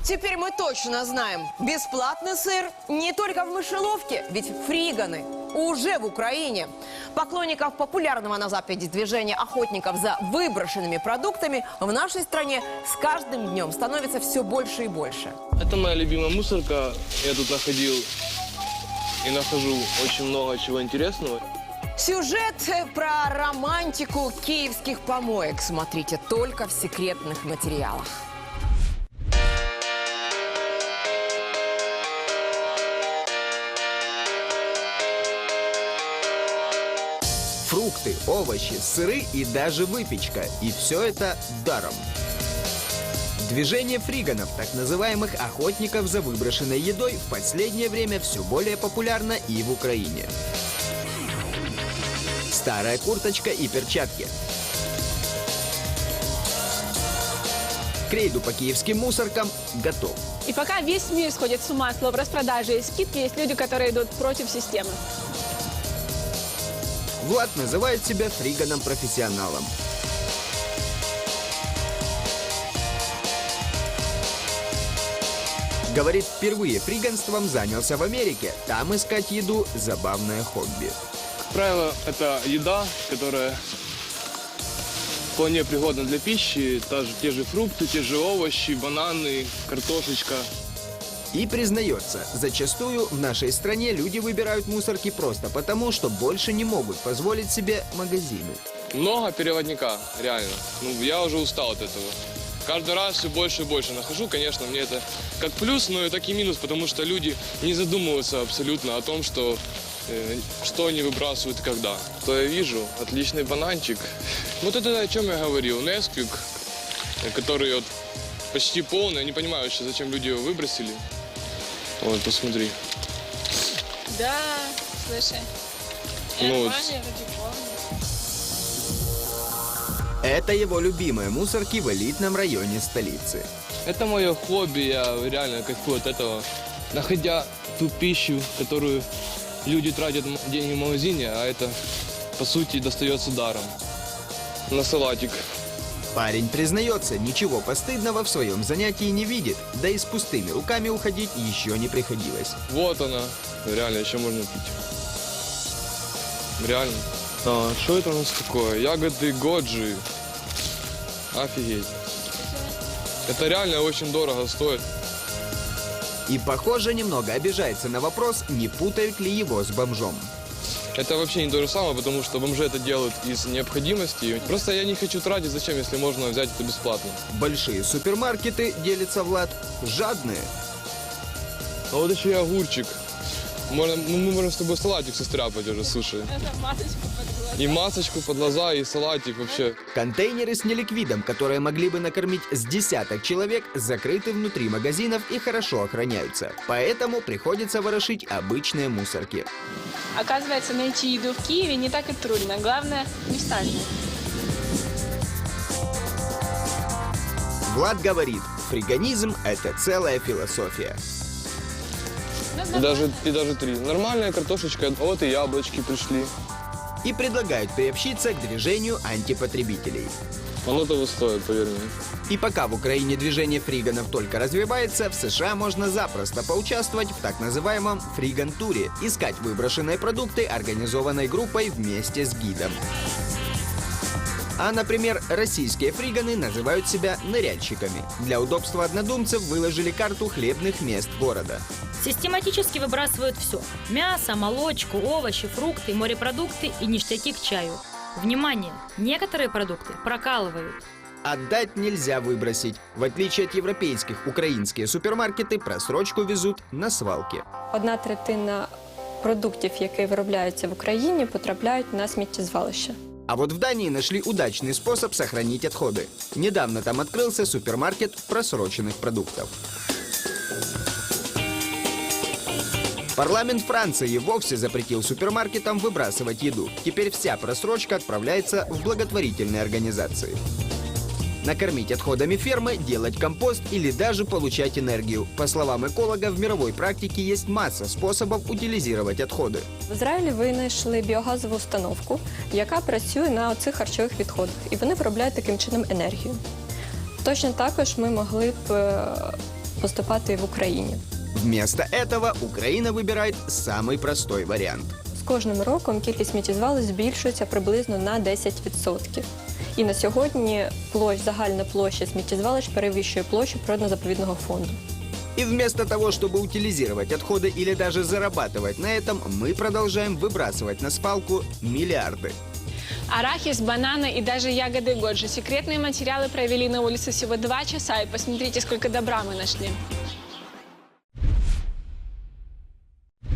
Теперь мы точно знаем, бесплатный сыр не только в мышеловке, ведь фриганы уже в Украине. Поклонников популярного на Западе движения охотников за выброшенными продуктами в нашей стране с каждым днем становится все больше и больше. Это моя любимая мусорка. Я тут находил и нахожу очень много чего интересного. Сюжет про романтику киевских помоек смотрите только в секретных материалах. Фрукты, овощи, сыры и даже выпечка. И все это даром. Движение фриганов, так называемых охотников за выброшенной едой, в последнее время все более популярно и в Украине. Старая курточка и перчатки. К рейду по киевским мусоркам готов. И пока весь мир сходит с ума от распродажи и скидки, есть люди, которые идут против системы. Влад называет себя фриганом-профессионалом. Говорит, впервые фриганством занялся в Америке. Там искать еду – забавное хобби. Как правило, это еда, которая вполне пригодна для пищи. Те же фрукты, те же овощи, бананы, картошечка. И признается, зачастую в нашей стране люди выбирают мусорки просто потому, что больше не могут позволить себе магазины. Много переводника, реально. Я уже устал от этого. Каждый раз все больше и больше нахожу. Конечно, мне это как плюс, но и так и минус, потому что люди не задумываются абсолютно о том, что они выбрасывают и когда. То я вижу, отличный бананчик. Вот это о чем я говорил. Несквик, который вот почти полный. Я не понимаю вообще, зачем люди его выбросили. Вот, посмотри. Да, слушай. Ну, Это его любимые мусорки в элитном районе столицы. это мое хобби, я реально кайфую от этого. Находя ту пищу, которую люди тратят деньги в магазине, а это, по сути, достается даром. На салатик. Парень признается, ничего постыдного в своем занятии не видит, да и с пустыми руками уходить еще не приходилось. Вот она. Реально, еще можно пить. Реально. А, что это у нас такое? Ягоды годжи. Офигеть. Это реально очень дорого стоит. И, похоже, немного обижается на вопрос, не путают ли его с бомжом. Это вообще не то же самое, потому что бомжи это делают из необходимости. Просто я не хочу тратить, зачем, если можно взять это бесплатно. Большие супермаркеты, делится Влад, жадные. А вот еще и огурчик. Мы можем с тобой салатик состряпать уже, слушай. Это масочку под глаза. И масочку под глаза, и салатик вообще. Контейнеры с неликвидом, которые могли бы накормить с десяток человек, закрыты внутри магазинов и хорошо охраняются. Поэтому приходится ворошить обычные мусорки. Оказывается, найти еду в Киеве не так и трудно. Главное, не встать. Влад говорит, фриганизм – это целая философия. И даже 3. Нормальная картошечка, вот и яблочки пришли. И предлагают приобщиться к движению антипотребителей. Оно того стоит, поверь мне. И пока в Украине движение фриганов только развивается, в США можно запросто поучаствовать в так называемом фриган-туре, искать выброшенные продукты организованной группой вместе с гидом. А, например, российские фриганы называют себя ныряльщиками. Для удобства однодумцев выложили карту хлебных мест города. Систематически выбрасывают все. Мясо, молочку, овощи, фрукты, морепродукты и ништяки к чаю. Внимание! Некоторые продукты прокалывают. Отдать нельзя выбросить. В отличие от европейских, украинские супермаркеты просрочку везут на свалки. 1/3 продуктів, які виробляються в Україні, потрапляють на сміттєзвалище. А вот в Дании нашли удачный способ сохранить отходы. Недавно там открылся супермаркет просроченных продуктов. Парламент Франции и вовсе запретил супермаркетам выбрасывать еду. Теперь вся просрочка отправляется в благотворительные организации. Накормить отходами фермы, делать компост или даже получать энергию. По словам экологов, в мировой практике есть масса способов утилизировать отходы. В Ізраїлі винайшли біогазову установку, яка працює на оцих харчових відходах, і вони виробляють таким чином енергію. Точно також ми могли б поступати і в Україні. Вместо этого Украина выбирает самый простой вариант. З кожним роком кількість сміттєзвалищ збільшується приблизно на 10%. І на сьогодні загальна площа сміттєзвалищ перевищує площу природно-заповідного фонду. И вместо того, чтобы утилизировать отходы или даже зарабатывать на этом, мы продолжаем выбрасывать на свалку миллиарды. Арахис, бананы и даже ягоды годжи. Секретные материалы провели на улице всего 2 часа, и посмотрите, сколько добра мы нашли.